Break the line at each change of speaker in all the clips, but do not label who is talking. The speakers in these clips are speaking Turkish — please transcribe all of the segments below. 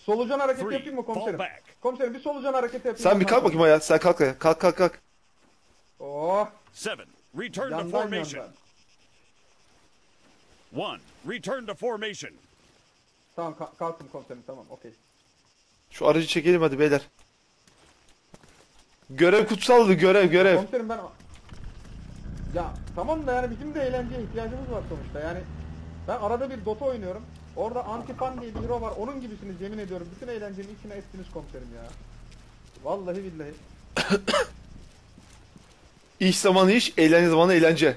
Solucan hareketi
Three,
yapayım mı komiserim?
fall back.
Komiserim bir solucan hareketi yapayım.
Sen bir kalk bakayım ayağa. Sen kalk ayağa. Kalk kalk kalk.
Oh.
7. Return to
Yandan
formation.
yandan.
1. Return to formation.
Tamam kalktım komiserim, tamam okey.
Şu aracı çekelim hadi beyler. Görev kutsaldı, görev.
Komiserim ben... Ya tamam da yani bizim de eğlenceye ihtiyacımız var sonuçta yani. Ben arada bir Dota oynuyorum. Orada Antifan diye bir hero var. Onun gibisiniz yemin ediyorum. Bütün eğlencenin içine ettiniz komiserim ya. Vallahi billahi.
İş zamanı iş, eğlence zamanı eğlence.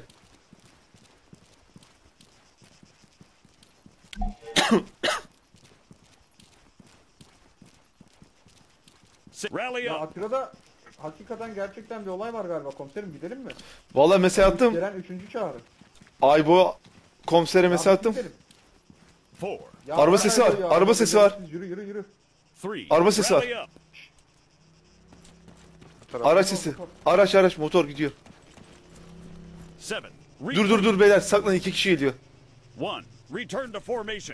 Rally
Ya
up.
Atira'da hakikaten gerçekten bir olay var galiba komiserim, gidelim mi?
Vallahi mesaj attım.
Gelen 3. çağrı.
Aybo komisere mesaj attım.
Gidelim.
4.
Ya
Araba
bırak
sesi var,
ya,
araba sesi var.
Yürü.
3.
Araba sesi var.
Rally up.
Araç sesi. Araç motor gidiyor.
7.
Dur beyler saklan, 2 kişi geliyor.
1. Return to formation.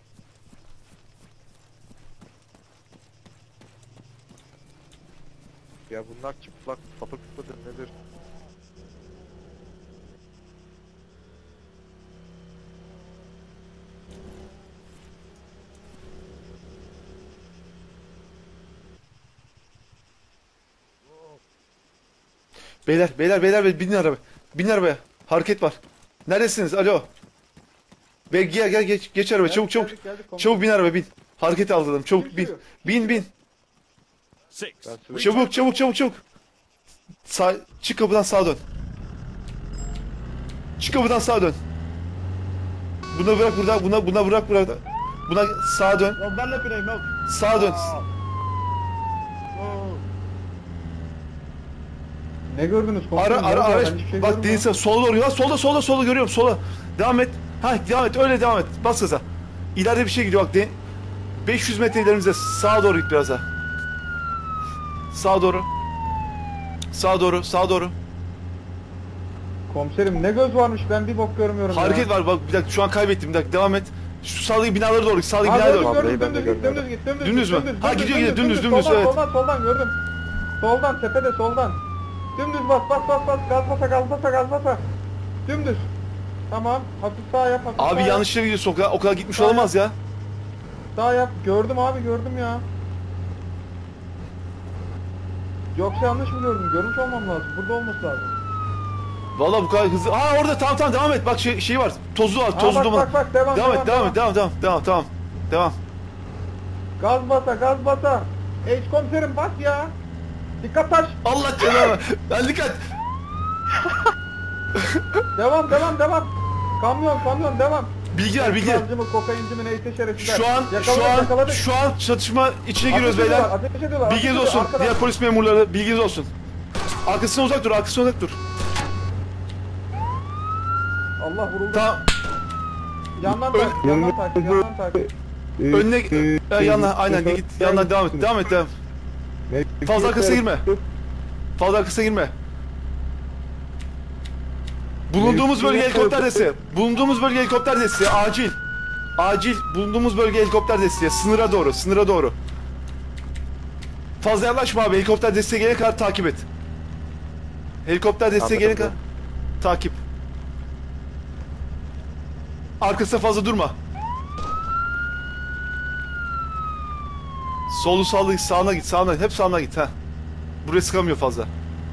Ya bunlar çıplak sapık mıdır nedir?
Beyler binin araba. Binin arabaya. Hareket var. Neredesiniz? Alo. Gel geç araba, çabuk.
Geldik, komiserim.
Çabuk bin araba, bin. Hareket aldım, çabuk bin.
sürüyor?
Bin.
6.
Çabuk. Çık kapıdan sağa dön. Buna bırak burada, buna bırak burada. Buna sağa dön.
Ya ben de pireyim yok.
Sağa dön.
Ne gördünüz komiserim?
Araç.
Ben hiçbir şey
Bak
görmüyorum.
değilse sola doğru. Ya solda görüyorum, sola. Devam et. Devam et, öyle devam et. Bas gaza. İleride bir şey gidiyor bak. 500 metre ilerimizde. Sağa doğru git biraz daha. Sağa doğru.
Komiserim ne göz varmış, ben bir bok görmüyorum
Hareket
ya.
var bak, bir dakika şu an kaybettim, bir dakika devam et. Şu sağdaki binalara doğru git, sağdaki
Ha,
binalara
gördüm,
doğru.
gördüm,
Ben de
dümdüz git,
görmüyorum.
Dümdüz mü? Ha, gidiyor, dümdüz,
soldan,
evet.
Soldan gördüm. Soldan, tepede soldan. Dümdüz bas, gaz basa. Dümdüz. Tamam, hafif sağ yap, hafif
Abi
sağ
yanlış yere gidiyorsun, o kadar gitmiş
Sağ
olamaz ya.
yap. Sağ yap, gördüm abi, gördüm ya. Yoksa yanlış mı gördüm? Görmüş olmam lazım, burada olması lazım.
Vallahi bu kadar hızlı. Orada tamam devam et, bak şey var, tozlu var, tozlu duman.
Bak, devam
et, devam.
Gaz basa. Komiserim bas ya. Dikkat taş.
Allah canına. Ben dikkat.
Devam. Kamyon devam.
Bilgi.
Gazcı mı, kokaincı mı, neyse şerefsizler. Yakaladık.
Şu an çatışma içine giriyoruz beyler.
Ateş ediyorlar.
Bilginiz olsun.
Arkadan.
Diğer polis memurları bilginiz olsun. Arkasına uzak dur.
Allah vuruldu.
Tamam.
Yandan takip.
Önüne yanına aynen git. Yandan devam et. Fazla arkasına girme. Bulunduğumuz bölge helikopter desteği. Acil. Bulunduğumuz bölge helikopter desteği. Sınıra doğru. Fazla yaklaşma abi. Helikopter desteği gelene kadar takip et. Takip. Arkasına fazla durma. Solu sağına git. Hep sağına git ha. Buraya sıkamıyor fazla.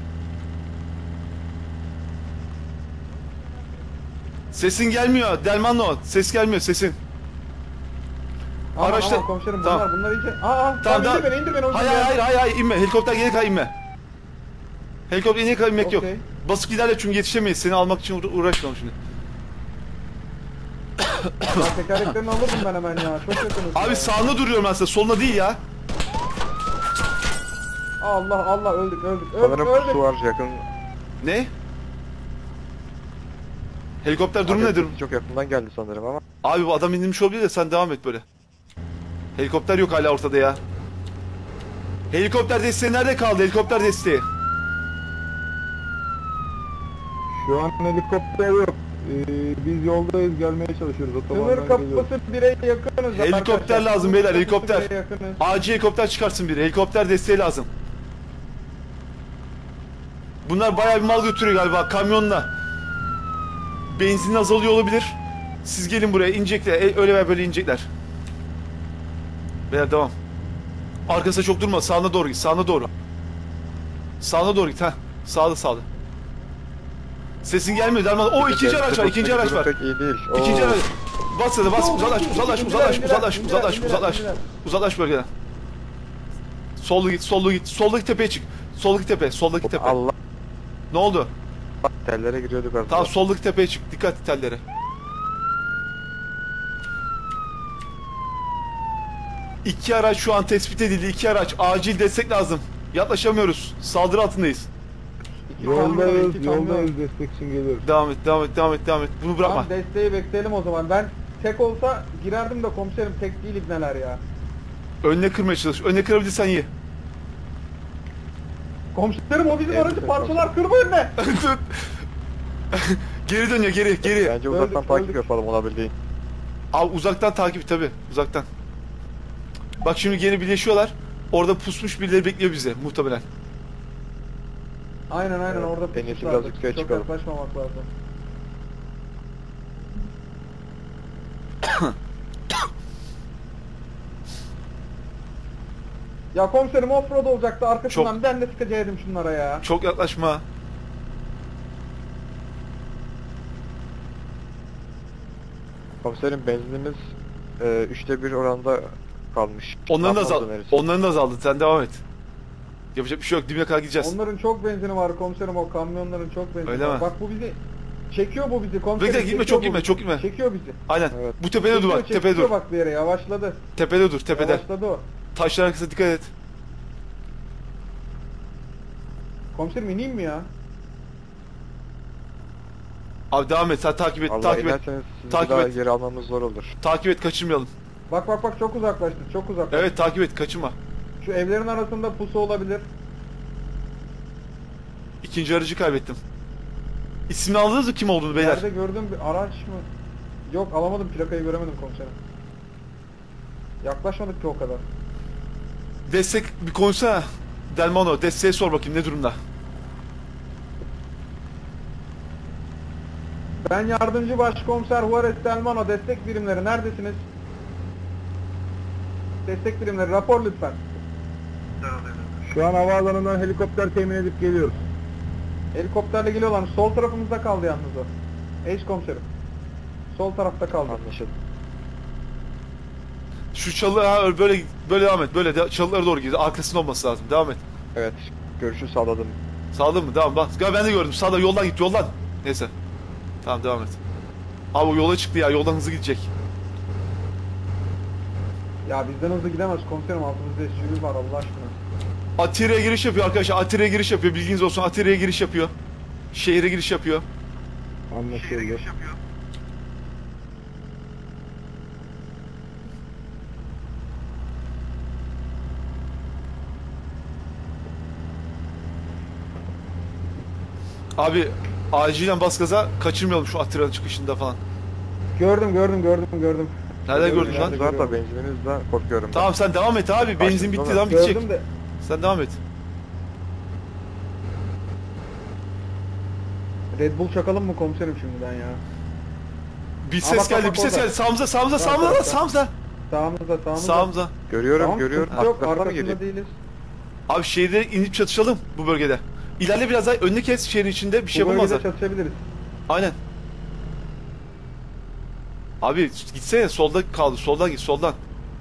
Sesin gelmiyor Delmanlo. Ses gelmiyor sesin. Araçta.
Aman komiserim
Tamam.
bunlar iyice.
Tamam.
İndir beni.
Hayır inme. Helikopter gelene kadar inme. Helikopter gelene kadar inmek yok.
Okey.
Basıp ilerle çünkü yetişemeyiz. Seni almak için uğraşmam şimdi.
Ya tekerleklerini alırdım ben hemen ya. Çok yakınız.
Abi
ya.
sağında duruyorum ben sana. Soluna değil ya.
Allah öldük.
Sanırım su var yakın.
Ne? Helikopter durumu nedir?
Çok yakından geldi sanırım ama.
Abi bu adam indirmiş olabilir de sen devam et böyle. Helikopter yok hala ortada ya. Helikopter desteği nerede kaldı? Helikopter desteği.
Şu an helikopter yok.
Biz yoldayız, gelmeye çalışıyoruz. Otobandan
Sınır kapısı 1'e yakınız.
Helikopter
arkadaşlar.
lazım beyler,
Sınır kapısı
helikopter.
1'e yakınız.
Acil helikopter çıkarsın biri. Helikopter desteği lazım. Bunlar bayağı bir mal götürüyor galiba kamyonla. Benzin azalıyor olabilir. Siz gelin buraya inecekler. Öyle veya böyle inecekler. Beyler devam. Arkasına çok durma. Sağına doğru git. Sağına doğru. Sağına doğru git. Heh. Sağda sağda. Sesin gelmiyor Derman. O ikinci araç var. İkinci araç var.
Pek iyi değil.
İkinci
Oo.
araç. Bas hadi bas. Uzaklaş uzaklaş uzaklaş uzaklaş uzaklaş
İndiler,
uzaklaş.
indiler.
Uzaklaş bölgeden. Sollu git, sollu git. Soldaki tepeye çık. Soldaki tepe, soldaki tepe.
Allah
Ne oldu?
tellere giriyorduk az
Tamam
daha.
soldaki tepeye çık. Dikkat et tellere. İki araç şu an tespit edildi. İki araç. Acil destek lazım. Yaklaşamıyoruz. Saldırı altındayız.
İki kamyon,
Yoldayız,
iki kamyon.
yoldayız. Destek için geliyoruz.
Devam et, devam et, devam et, devam et. Bunu bırakma.
Tamam, desteği bekleyelim o zaman. Ben tek olsa girerdim de komiserim, tek değil ibneler ya.
Önüne kırmaya çalış. Önüne kırabilirsen iyi.
Komiserim o bizim
Evet,
aracı
evet,
parçalar, kırma önüne.
Geri dönüyor, geri.
Bence uzaktan
Öldük,
takip
öldük.
yapalım olabildiğin.
Abi uzaktan takip tabi. Uzaktan. Bak şimdi geri birleşiyorlar. Orada pusmuş birileri bekliyor bizi muhtemelen.
Aynen
Evet,
orada
en iyisi
pusuşlardı.
biraz yukarı
Çok
çıkalım.
yaklaşmamak lazım. Ya komiserim offroad olacaktı arkasından,
Çok-
ben de sıkacaktım şunlara ya.
Çok yaklaşma.
Komiserim benzinimiz 3'te 1 oranda kalmış.
Onların da
Yapmaz
azaldı.
önerisi.
Onların da azaldı. Sen devam et. Yapacak bir şey yok. Dibine kadar gideceğiz.
Onların çok benzini var komiserim, o kamyonların çok benzini
Öyle
var.
mi?
Bak bu bizi çekiyor, bu bizi komiserim.
Bekle, gitme,
çekiyor
çok
bu
gitme,
bizi.
çok gitme.
Çekiyor bizi.
Aynen.
Evet.
Bu tepede dur bak.
Çekiyor,
Tepede dur.
bak bir yere, yavaşladı.
Tepede dur. Tepede.
Yavaşladı o.
Taşlar arkasına dikkat et.
Komiserim ineyim mi ya?
Abi devam et. Sen takip et.
Allah
Takip et.
inerseniz sizi
Takip
daha
et.
geri almamız zor olur.
Takip et. Kaçırmayalım.
Bak çok uzaklaştı, çok uzaklaştı.
Evet takip et. Kaçırma.
Şu evlerin arasında pusu olabilir.
İkinci aracı kaybettim. İsmini aldınız mı kim olduğunu beyler?
Nerede gördüğüm bir araç mı? Yok, alamadım, plakayı göremedim komiserim. Yaklaşmadık ki o kadar.
Destek bir konuşsana. Delmano desteğe sor bakayım ne durumda.
Ben yardımcı başkomiser Juarez Delmano, destek birimleri neredesiniz? Destek birimleri rapor lütfen.
Şu an havaalanından helikopter temin edip geliyoruz.
Helikopterle geliyorlar. Sol tarafımızda kaldı yalnız o. Eş komiserim. Sol tarafta kaldı.
Anlaşıldı.
Şu çalı böyle devam et. Çalılara doğru gidiyor. Arkasında olması lazım. Devam et.
Evet. Görüşü sağladım.
Sağda mı? Devam bak. Gel ben de gördüm. Sağda yoldan git yoldan. Neyse. Tamam devam et. Abi o yola çıktı ya. Yoldan hızlı gidecek.
Ya bizden hızlı gidemez komiserim, altımızda SUV var Allah aşkına.
Atire'ye giriş yapıyor arkadaşlar. Atire'ye giriş yapıyor. Bilginiz olsun. Atire'ye giriş yapıyor. Şehire giriş yapıyor.
Anlaşıldı.
Abi acilen bas gaza. Kaçırmayalım şu Atire'nin çıkışında falan.
Gördüm.
Nerede gördün lan?
Nerede?
Zaten benzininizden korkuyorum.
Tamam sen devam et abi. Benzin
Karşımda
bitti
mı?
lan bitecek.
Gördüm de.
Sen devam et.
Red Bull çakalım mı komiserim şimdiden ya?
Bir
Aa,
ses
bak,
geldi.
bak,
Bir ses
orada.
geldi. Sağımıza.
Tamam.
Sağımıza.
Sağımızda.
Sağımıza.
Görüyorum
Tamam,
görüyorum.
sıkıntı yok,
Arkasına mı
arkasında
gireyim?
değiliz.
Abi şehirde inip çatışalım bu bölgede. İlerle biraz daha önünü kes şehrin içinde bir şey
Bu bölgede
yapamazlar.
çatışabiliriz.
Aynen. Abi gitsene solda kaldı. Soldan git soldan.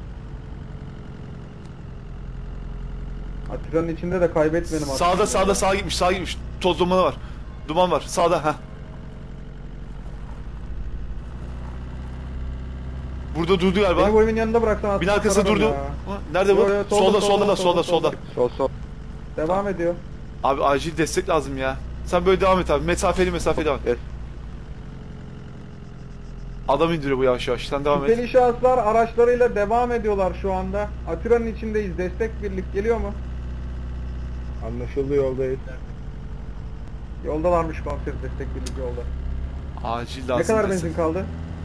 Atiranın içinde de kaybetmeyelim aslında.
Sağa gitmiş. Toz dumanı var. Duman var. Sağda ha. Burada durdu
Beni
galiba.
bu evin yanında bıraksan aslında.
Bin arkasında
sararım
durdu.
ya.
Ha, nerede bu?
Yo, yo, solda,
Solda.
solda.
Sol.
Devam ediyor.
Abi acil destek lazım ya. Sen böyle devam et abi. Mesafeli devam et.
Evet.
Adam indiriyor bu yavaş yavaş. Sen devam et.
Şüpheli şahıslar araçlarıyla devam ediyorlar şu anda. Atiranın içindeyiz. Destek birlik geliyor mu?
Anlaşıldı, yoldayız.
Yoldalarmış komiserim, destek birlik yolda.
Acil lazım.
Ne kadar
destek.
benzin kaldı?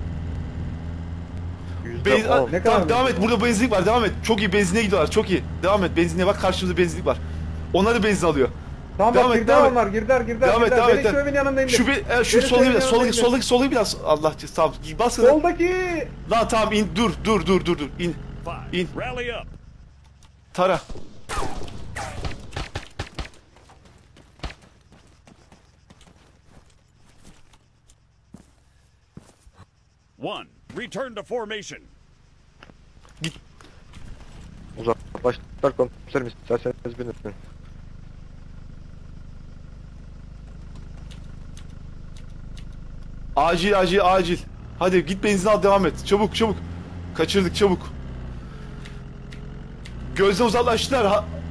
%10.
Ne kadar
Tamam
benzin?
devam et. Burada benzinlik var. Devam et. Çok iyi benzine gidiyorlar. Çok iyi. Devam et. Benzinliğe bak, karşımızda benzinlik var. Onlar da benzin alıyor.
Tamam
Devam
bak
et,
girdiler
devam et.
onlar girdiler.
Devam et, devam
Benim
et.
şu evin yanındayım.
Şu
Benim
sola
evin
biraz,
yanındayım.
soldaki biraz. Allah cezası. Tamam. Bas gaza.
Soldaki.
Lan tamam in. Dur. İn.
Five.
In.
Rally up.
Tara.
One. Return to formation.
Uzaklaştılar komiserim, isterseniz binin.
Acil. Hadi git benzin al, devam et. Çabuk. Kaçırdık, çabuk. Gözden uzaklaştılar.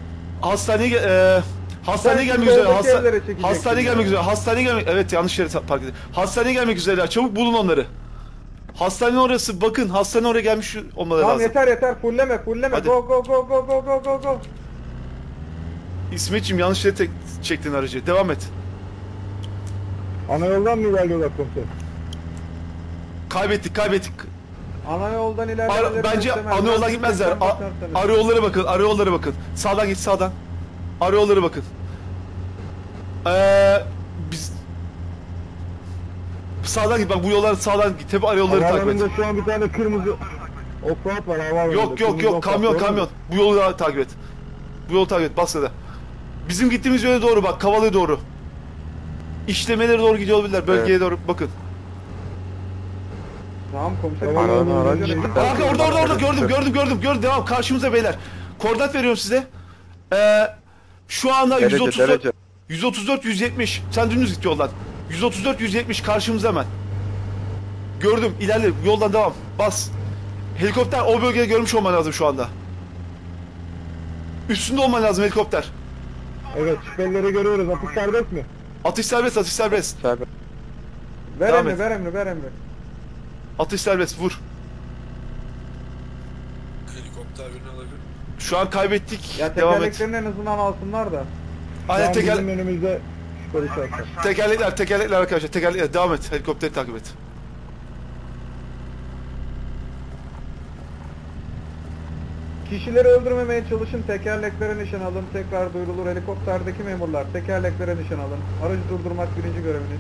Hastaneye gelmek üzere.
soldaki evlere çekeceksin
Hastaneye gelmek üzere. Evet, yanlış yere park ettim. Hastaneye gelmek üzereler. Çabuk bulun onları. Hastanenin orası. Bakın, hastane oraya gelmiş olmaları
Tamam
lazım.
yeter. Fulleme.
Hadi.
Go.
İsmetciğim, yanlış yere çektin aracı. Devam et.
Ana yoldan mı ilerliyorlar komiserim?
Kaybettik.
Ana yoldan ilerlemeleri
Bence
istemem.
ana yoldan
Ben
gitmezler.
başlarsam.
Arı yollara bakın. Sağdan git, sağdan. Arı yollara bakın. Biz sağdan git, bak bu yollar sağdan git. Hep arı yolları takip et.
Havaalanında şu an bir tane kırmızı offroad var havaalanında.
Yok,
Kırmızı offroad, doğru mu?
kamyon. Bu yolu takip et. Bas da. Bizim gittiğimiz yöne doğru bak, Kavala'ya doğru. İşlemelere doğru gidiyor olabilirler. Bölgeye doğru bakın.
Tamam komiserim.
Tamam,
araç.
Kanka orada gördüm. Devam, karşımıza beyler. Koordinat veriyorum size. Şu anda
Derece.
134 170. Sen dümdüz git yoldan. 134 170 karşımıza hemen. Gördüm, ilerle, yoldan devam. Bas. Helikopter o bölgede görmüş olman lazım şu anda. Üstünde olman lazım helikopter.
Evet, şüphelileri görüyoruz. Atış serbest mi?
Atış serbest.
Serbest.
Ver
Devam
emri.
Atış serbest, vur.
Helikopter birini alabilir.
Şu an kaybettik.
Ya
Devam et.
tekerleklerini en azından alsınlar da.
Aynen,
Bizim önümüzde şüpheli şahıslar.
tekerlekler arkadaşlar. Tekerlekler, devam et. Helikopteri takip et.
Kişileri öldürmemeye çalışın, tekerleklere nişan alın, tekrar duyurulur. Helikopterdeki memurlar, tekerleklere nişan alın. Aracı durdurmak birinci göreviniz.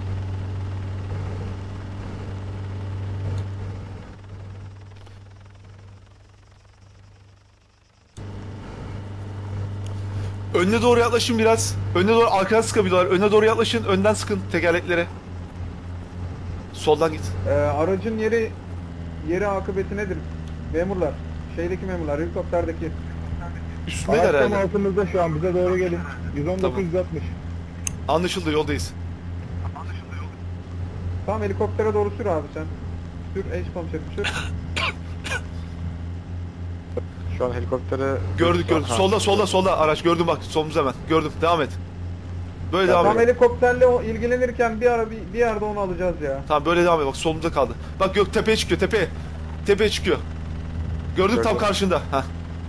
Önüne doğru yaklaşın biraz. Önüne doğru, arkadan sıkabiliyorlar. Önüne doğru yaklaşın, önden sıkın tekerleklere. Soldan git.
Aracın yeri akıbeti nedir? Memurlar, helikopterdeki.
Üstündeler
Araç tam
herhalde.
altımızda şu an, bize doğru gelin. 119
Tamam.
160.
Anlaşıldı, yoldayız.
Tamam, helikoptere doğru sür abi sen. Sür, komiserim sür.
Şu an helikoptere...
Gördük.
Ha.
Solda araç gördüm, bak solumuz hemen. Gördüm, devam et. Böyle
Ya
devam
tam
et.
helikopterle ilgilenirken bir yerde onu alacağız ya.
Tamam, böyle devam et, bak solumuzda kaldı. Bak gök tepeye çıkıyor, tepeye çıkıyor. Gördüm, tam
Gördüm.
karşında. Heh.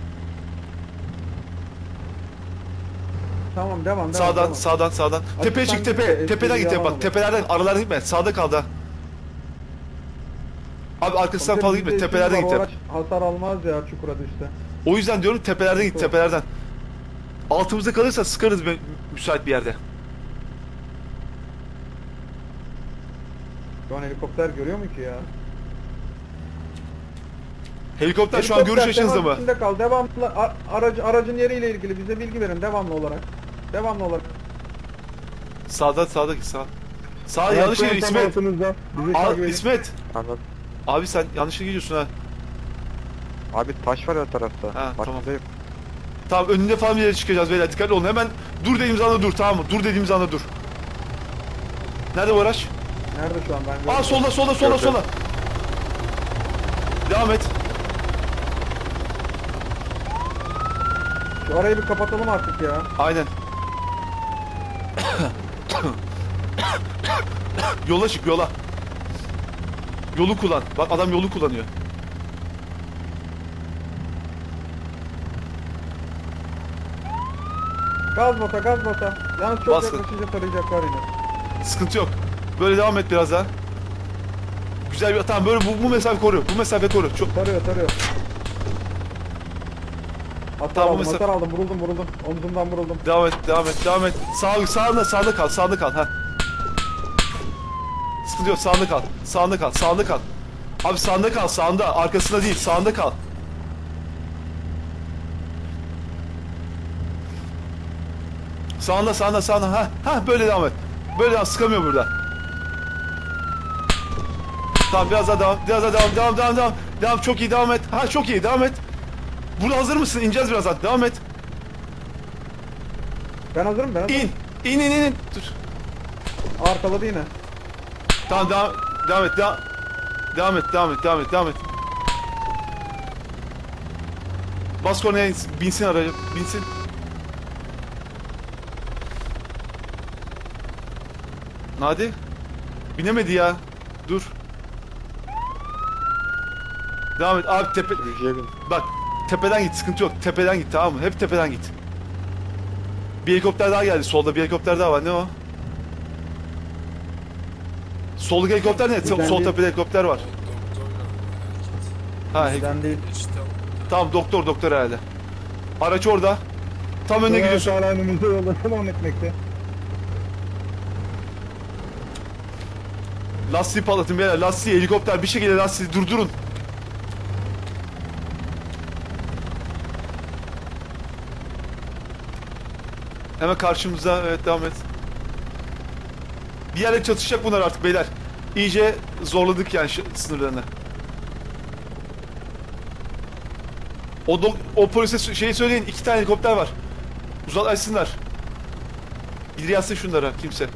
Tamam devam.
Sağdan. Tepeye çık,
sen
tepeden git,
yalan
bak
olur.
tepelerden, aralardan gitme, sağda kaldı. Abi arkasından fazla gitme, tepelerden git.
O araç hasar almaz ya çukura düşse.
O yüzden diyorum, tepelerden git, tepelerden. Altımızda kalırsa sıkarız müsait bir yerde.
Şu an helikopter görüyor mu ki ya?
Helikopter şu an görüş açınızda mı?
İçinde kal. Devamlı aracın yeriyle ilgili bize bilgi verin devamlı olarak.
Sağda git, sağ yanlış
Araç
gidiyor
tam
İsmet.
altımızda. Bizi takip edin.
İsmet.
Anladım.
Abi sen yanlışlıkla gidiyorsun ha.
Abi taş var her tarafta.
Ha, tamam.
Farkındayım.
Tamam, önünde falan bir yere çıkacağız beyler, dikkatli olun. Hemen dur dediğimiz anda dur, tamam mı? Dur dediğimiz anda dur. Nerede bu araç?
Nerede şu an ben?
Aa, solda.
Gördüm.
Devam et.
Şu arayı bir kapatalım artık ya.
Aynen. Yola çık, yola. Yolu kullan. Bak adam yolu kullanıyor.
Gaz basa. Yalnız çok
Bastın.
yaklaşınca tarayacaklar yine.
Sıkıntı yok. Böyle devam et biraz daha. Güzel bir tamam böyle bu mesafe koru. Bu mesafe koru. Çok
Tarıyor. Hasar
Tamam, bu
aldım,
mesela-
hasar aldım. Vuruldum. Omzumdan vuruldum.
devam et. Sağında kal ha. Sıkıntı yok sağında kal. Abi sağında kal sağında arkasında değil sağında kal. Sağında ha böyle devam et. Böyle devam sıkamıyor burada. Tamam biraz daha devam çok iyi devam et. Ha çok iyi devam et. Burada hazır mısın? İneceğiz birazdan. Devam et.
Ben hazırım.
İn. Dur.
Arkaladı yine.
Tamam devam et. Bas kornaya binsin aracı. Binsin. Hadi. Binemedi ya. Dur. Devam et. Abi
Sürücüye bin.
bak tepeden git sıkıntı yok. Tepeden git tamam mı? Hep tepeden git. Bir helikopter daha geldi. Solda bir helikopter daha var. Ne o? Soldaki helikopter ne?
Bizden
Sol
değil.
tepede helikopter var.
Doktor
Ha,
Bizden değil.
işte
tamam doktor herhalde. Araç orada. Tam önüne gidiyorsun.
Hala önümüzde yolda devam etmekte.
Lastiği patlatın beyler. Lastiği helikopter bir şekilde lastiği durdurun. Hemen karşımıza evet devam et. Bir yerde çatışacak bunlar artık beyler. İyice zorladık yani sınırlarını. O polise şeyi söyleyin 2 tane helikopter var. Uzaklaşsınlar. Biri yazsın şunlara kimse.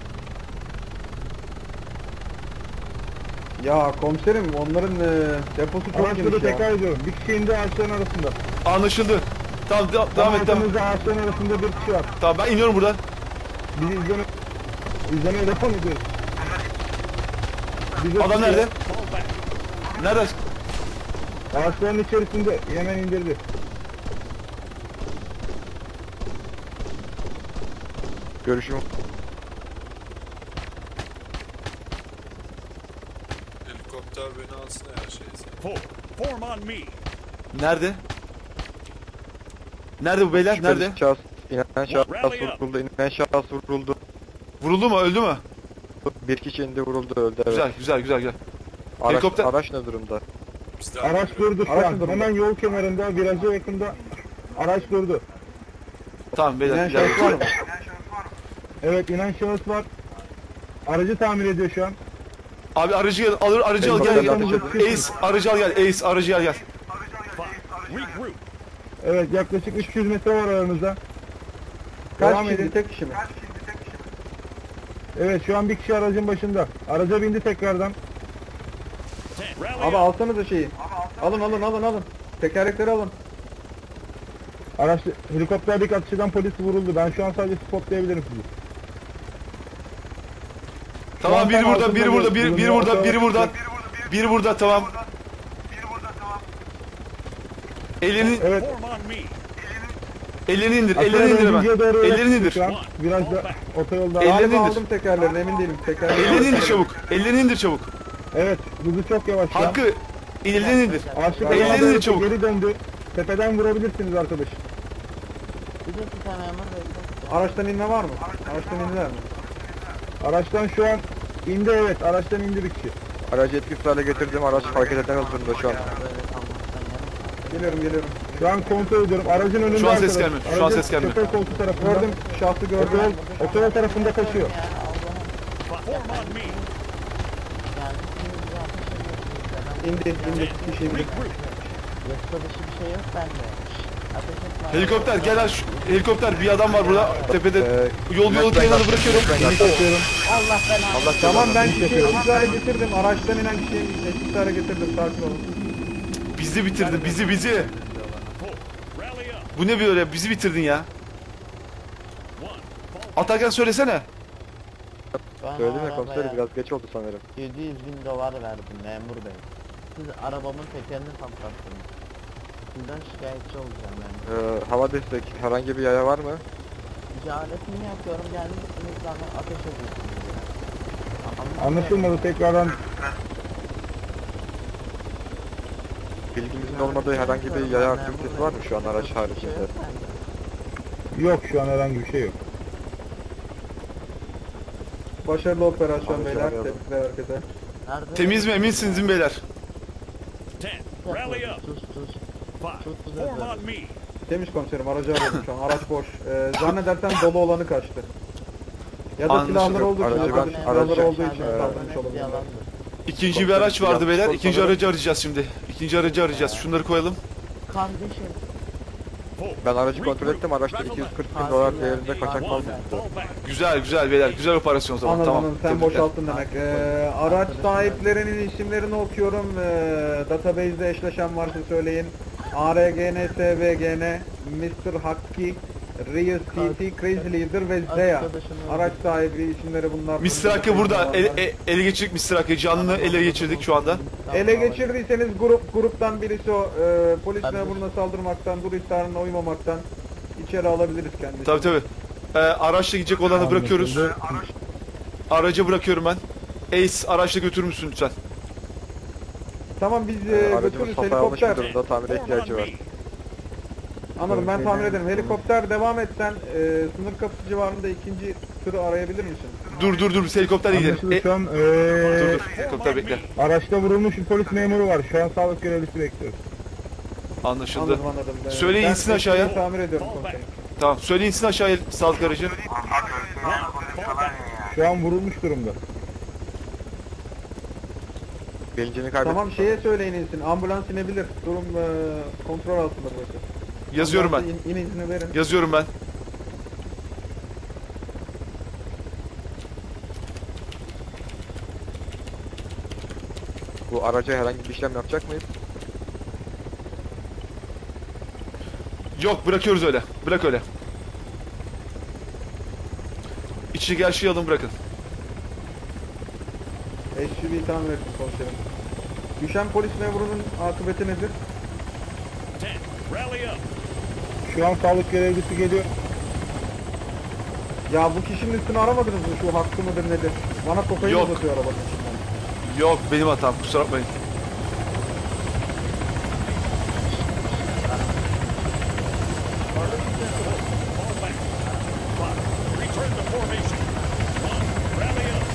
Ya komiserim onların deposu çok
Araçları
geniş ya.
tekrar ediyorum. Bir kişi indi ağaçların arasında.
Anlaşıldı. Tamam devam et.
Arkamızda ağaçların arasında bir kişi var.
Tamam ben iniyorum buradan.
Bizi izlemeye devam ediyoruz. Bizi
Adam nerede? Nerede?
Ağaçların içerisinde hemen indirdi.
Görüşüm.
helikopter beni alsın her şeyse.
Form on me.
Nerede? Nerede bu beyler? Nerede?
Şüpheli şahıs, inen şahıs vuruldu.
Vuruldu mu? Öldü mü?
Bir kişi indi vuruldu öldü. Evet.
Güzel.
Araç,
Helikopter-
araç ne durumda?
Biz de
Araç durdu şu
Araç
an.
durdu.
Hemen yol kenarında, viraja yakında araç durdu.
Tamam beyler.
İnen
ileride.
şahıs var mı?
Evet, inen şahıs var. Aracı tamir ediyor şu an.
Abi aracı al gel.
Helikopter
Ace aracı al gel. Ace aracı al gel.
Regroup.
Evet, yaklaşık 300 metre var aranızda.
Kaç
Devam
kişi?
edin.
Tek kişi mi?
Evet, şu an bir kişi aracın başında. Araca bindi tekrardan.
10. Rally
Abi
up.
alsanıza şeyi. Alın. Tekerlekleri alın.
Araç helikopterdeki atışıdan polis vuruldu. Ben şu an sadece spotlayabilirim sizi.
Tamam biri
Tamam,
burada, biri burada, biri burada tamam. Elini
Evet.
Form on me.
ellerini indir
Aşağıya
hemen.
doğru doğru
Ellerini indir.
Şu an virajda otoyolda.
Ellerini
Galiba
indir.
aldım tekerlerini emin değilim.
Ellerini indir çabuk. Ellerini indir çabuk.
Evet, hızı çok yavaş şu an.
Hakkı ellerini indir.
Ağaçlık
Ellerini
alana
indir çabuk.
geri döndü. Tepeden vurabilirsiniz arkadaş.
Araçtan inme var mı? Araçtan indiler mi?
Araçtan şu an indi, evet. Araçtan indi bir kişi.
Aracı etkisiz hale getirdim. Araç hareket edemez durumda şu an.
Geliyorum.
Şu an kontrol ediyorum. Aracın önünde
Şu an ses
arkadaş.
gelmiyor, şu an
Aracın
ses gelmiyor.
şoför koltuğu tarafında.
Gördüm. Şahsı gördüm.
Otoyol tarafında kaçıyor.
Form on me.
İndi. Kişi indi.
Regroup.
Helikopter gel aç. Helikopter bir adam var burada tepede. Yol kenarına bırakıyorum.
Allah
Tamam ben
Hiç
kişiyi
yapıyorum.
etkisiz hale getirdim. Araçtan inen kişiyi etkisiz hale getirdim. Sakin olun.
Bizi bitirdin bizi.
Rally up.
Bu ne böyle bizi bitirdin ya.
1.
Atarken söylesene.
Söyledim ya komiserim biraz geç oldu sanırım.
700.000 dolar verdim memur bey. Siz arabamın tekerini patlattınız. Sizden şikayetçi olacağım yani.
Hava destek herhangi bir yaya var mı?
Ticaretini yapıyorum, gelmişsiniz bana ateş ediyorsunuz.
Anlaşılmadı tekrardan.
Bilgimizin olmadığı herhangi bir yaya aktivitesi var mı şu an araç haricinde?
Yok şu an herhangi bir şey yok.
Başarılı operasyon
Abi,
beyler.
arayalım.
Tebrikler herkese.
Nerede?
Temiz mi eminsiniz değil mi beyler?
10. Rally up.
Sus sus.
5. Form on me.
Temiz komiserim, aracı arıyorum şu an. Araç boş. Zannedersem dolu olanı kaçtı. Ya da
Anlaşıldı.
silahları olduğu için,
Aracı
ya da
ben-
silahları
aracı-
olduğu için
Ee,
saldırmış olabilirler.
İkinci bir araç vardı beyler. İkinci aracı arayacağız şimdi. İkinci aracı arayacağız. Şunları koyalım.
Kardeşim.
4.
Ben aracı kontrol ettim. Araçta 240 bin dolar değerinde kaçak mal
1.
bulundu.
Fall back.
Güzel güzel beyler. Güzel operasyon o zaman.
Anladım,
Tamam.
anladım. Sen
Tebrikler.
boşalttın demek. Araç sahiplerinin isimlerini okuyorum. Database'de eşleşen varsa söyleyin. ARGN, SVGN, Mr. Hakkı, Rios TT, Crazy Leader ve Zeya. Araç sahibi isimleri bunlar.
Mr. Hakkı burada. Ele geçirdik Mr. Hakkı. Canını ele geçirdik şu anda.
Ele geçirdiyseniz gruptan birisi o. Polis memuruna saldırmaktan, dur ihtarına uymamaktan içeri alabiliriz kendisini.
Tabii tabii. Araçla gidecek olanı bırakıyoruz. Aracı bırakıyorum ben. Ace araçla götürür müsün lütfen?
Tamam, biz
Aracımız
götürürüz
hasar almış bir
helikopter.
durumda. Tamire
Form on
ihtiyacı var.
me.
Anladım, ben tamir ederim. Helikopter devam etsen sınır kapısı civarında ikinci tırı arayabilir misin?
Dur biz helikopterle gidelim.
Anlaşıldı şu an
Dur. Helikopter bekle.
araçta vurulmuş bir polis memuru var. Şu an sağlık görevlisi bekliyoruz.
Anlaşıldı.
Anladım, anladım.
Söyleyin,
Ben
insin aşağıya.
tekneyi tamir ediyorum komiserim.
Tamam. Söyleyin insin aşağıya sağlık aracı.
1. Fall back.
Şu an vurulmuş durumda.
Bilincini kaybetmiş.
Tamam, şeye söyleyin insin. Ambulans inebilir. Durum kontrol altında burası.
Yazıyorum ben.
Ambulansa İn izni verin.
Yazıyorum ben.
Bu araca herhangi bir işlem yapacak mıyız?
Yok bırakıyoruz öyle. Bırak öyle. İçindeki her şeyi alın bırakın.
SUV'yi tamir ettim komiserim. Düşen polis memurunun akıbeti nedir?
10. Rally up.
Şu an sağlık görevlisi geliyor.
Ya bu kişinin üstünü aramadınız mı? Şu hakkı mıdır nedir? Bana kokain
Yok.
uzatıyor arabanın içinden.
Yok benim hatam kusura bakmayın.
Fall back. 5. Return to formation. 1. Rally up.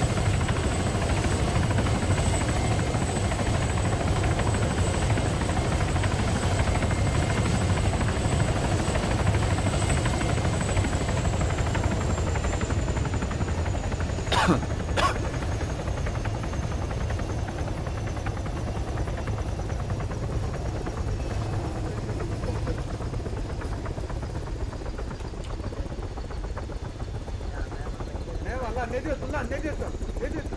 Ne var lan? Ne diyorsun lan? Ne diyorsun? Ne diyorsun?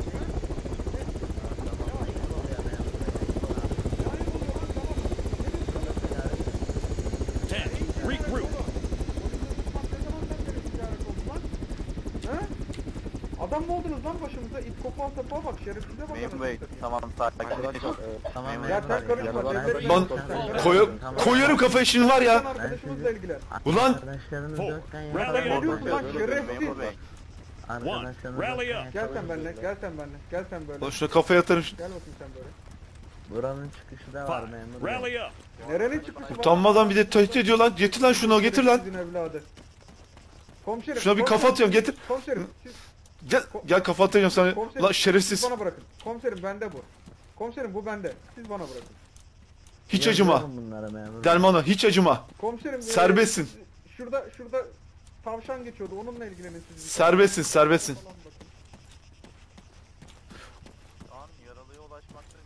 10. Regroup.
Ha? Adam mı oldunuz lan başımıza? İt kopan sapığa bak, şerefsize bak.
Memur
anasını
Bey
satayım.
tamam sakin. Tamam
Ya sen karışma. devlet
Lan
memuru.
koyarım kafaya şimdi var
Sen
ya.
arkadaşımızla ilgilen.
Ulan
Arkadaşlarınız
4.
yokken
Rally
Ne
up.
diyorsun lan şerefsiz?
1.
Arkadaşlarınız
Rally
yokken
up.
Gel sen benimle, gel sen benimle, gel sen böyle.
Lan şuna kafaya atarım.
Gel bakayım sen böyle.
Buranın çıkışı da var
5.
memur bey.
Rally up.
Nerenin çıkışı var?
Utanmadan bir de tehdit ediyor lan. Getir lan şunu getir lan.
Sizin evladı. Komiserim.
Şuna bir kafa
komiserim,
atıyorum getir.
Komiserim,
Gel kafa atacağım sana.
komiserim,
Lan
siz
şerefsiz.
bana bırakın. Komiserim bende bu. Komiserim bu bende. Siz bana bırakın.
Hiç acıma.
Yazıyorum bunlara memur bey.
Dermanı hiç acıma.
Komiserim.
Serbestsin.
Şurada tavşan geçiyordu. Onunla ilgilenin siz.
Serbestsin serbestsin.
Şu an yaralıya ulaşmakta.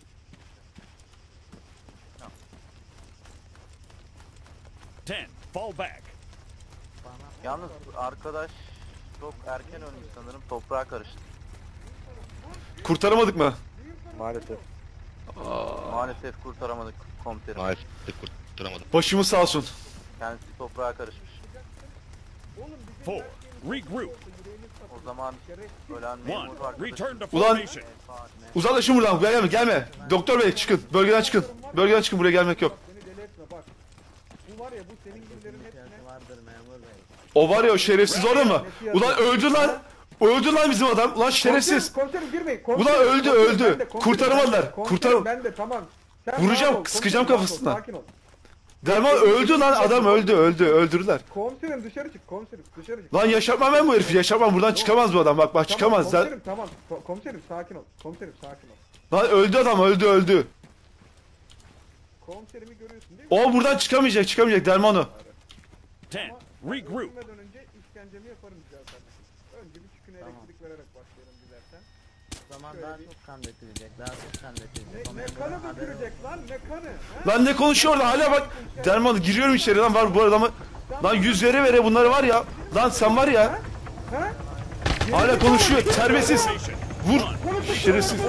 10. Fall back.
Yalnız arkadaş çok erken ölmüş sanırım, toprağa karıştı.
Kurtaramadık mı?
Maalesef.
Maalesef kurtaramadık komiserim.
Başımız sağ olsun.
Kendisi toprağa karışmış.
4. Regroup.
O zaman ölen
1.
memur arkadaşım.
Return to
Ulan.
formation.
Uzaklaşın buradan. Gelme. Doktor bey çıkın. Bölgeden çıkın. Bölgeden çıkın. Buraya gelmek yok.
Beni deli etme bak. Bu var ya, bu senin gibilerin hepsine.
İhtiyacı vardır memur bey.
O var ya o şerefsiz orada mı? Ulan öldü lan. Öldü lan bizim adam. Ulan şerefsiz.
Komiserim girmeyin.
Ulan öldü.
Ben de, komiserim
Kurtaramadılar.
ben de, komiserim
Kurtar.
ben de tamam. Sen
Vuracağım,
rahat ol,
sıkacağım
komiserim, rahat ol,
kafasından.
Sakin ol.
Derman öldü lan, adam öldü, öldürdüler.
Komiserim dışarı çık, komiserim dışarı çık.
Lan yaşatmam ben bu herifi, yaşatmam, buradan çıkamaz bu adam, bak
Tamam,
çıkamaz.
Komiserim tamam, komiserim sakin ol, komiserim sakin ol.
Lan öldü adam, öldü.
Komiserimi görüyorsun değil mi?
O buradan çıkamayacak Derman o.
10. Regroup.
Öldürmeden önce işkencemi yaparım güzel kardeşim. Önce bir çüküne elektrik vererek başlayalım dilersen.
O zaman daha çok kan dökülecek. Daha çok kan dökülecek. O
Ne
memurun
kanı
haberi
dökülecek lan, ne kanı? He?
Lan ne konuşuyor orada hala bak. Derman giriyorum içeri lan, var bu adamı. Lan yüz vere bunları var ya. Lan sen var ya.
He?
Hala konuşuyor, terbiyesiz.
Formation.
Vur. Şerefsiz.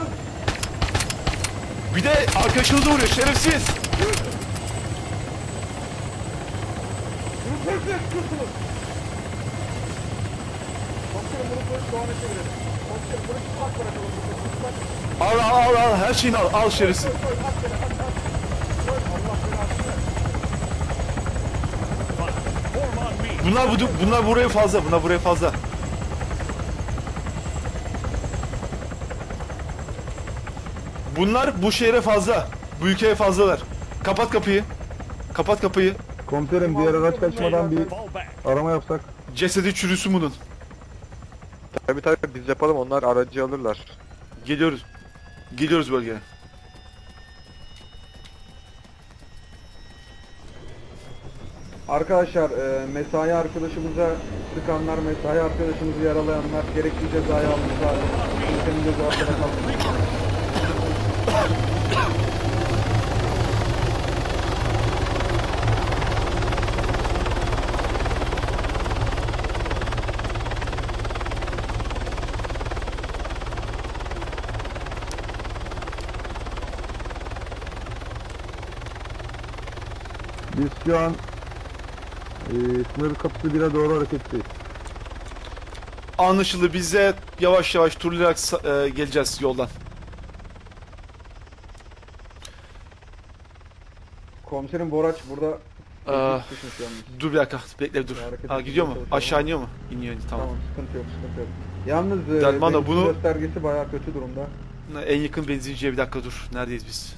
Bir de arkadaşınızı vuruyor, şerefsiz.
Komiserim bunu polis soğana çevirelim. Komiserim bunu çıplak bırakalım.
Al her şeyini al şerefsiz.
Koy, at beni, at. Allah belasını versin.
Form on me.
Bunlar buraya fazla. Bunlar bu şehre fazla. Bu ülkeye fazlalar. Kapat kapıyı.
Komiserim diğer araç kaçmadan bir
Fall back.
arama yapsak.
Cesedi çürüsün bunun.
Tabii biz yapalım, onlar aracı alırlar.
Geliyoruz bölgeye.
Arkadaşlar mesai arkadaşımıza sıkanlar, mesai arkadaşımızı yaralayanlar gerekli cezayı almışlar. Ülkenin gözü arkada kalmış.
Biz şu an sınır kapısı 1'e doğru hareketteyiz.
Anlaşıldı, bize yavaş turlayarak geleceğiz yoldan.
Komiserim Boraç burada
Aa,
düşmüş yalnız.
Dur bir dakika, bekle dur.
Hareket
Gidiyor mu?
etmeye
Aşağı iniyor mu? İniyor, tamam.
Tamam, sıkıntı yok. Yalnız
Derman da
benzin
bunu-
göstergesi bayağı kötü durumda.
En yakın benzinciye bir dakika dur. Neredeyiz biz?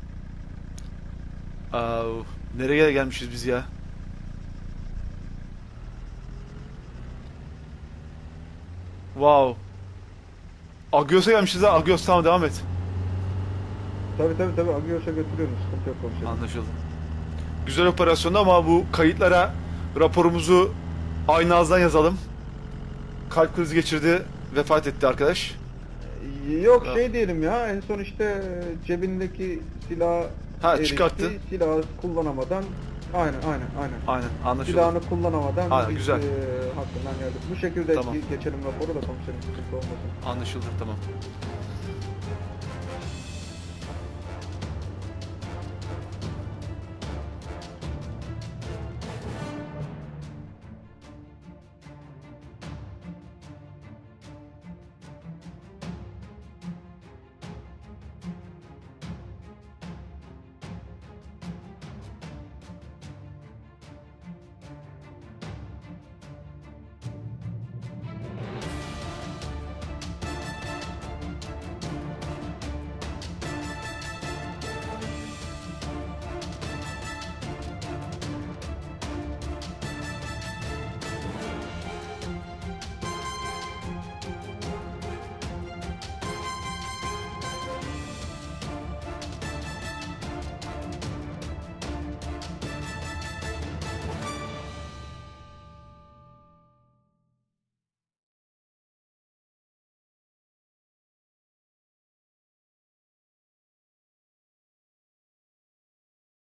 Nereye gelmişiz biz ya? Wow. Agios'a gelmişiz ha. Agios, tamam devam et.
Tabii Agios'a götürüyoruz. Sıkıntı yok komiserim.
Anlaşıldı. Güzel operasyondu ama bu kayıtlara raporumuzu aynı ağızdan yazalım. Kalp krizi geçirdi, vefat etti arkadaş.
Yok
Ha.
şey diyelim ya, en son işte cebindeki silah
çıkarttı.
Silahı kullanamadan aynen.
Aynen, anlaşıldı.
Silahını kullanamadan
Aynen, güzel.
Hakkından geldik. Bu şekilde
Tamam.
geçelim raporu da komiserim, sıkıntı olmasın.
Anlaşıldı, tamam.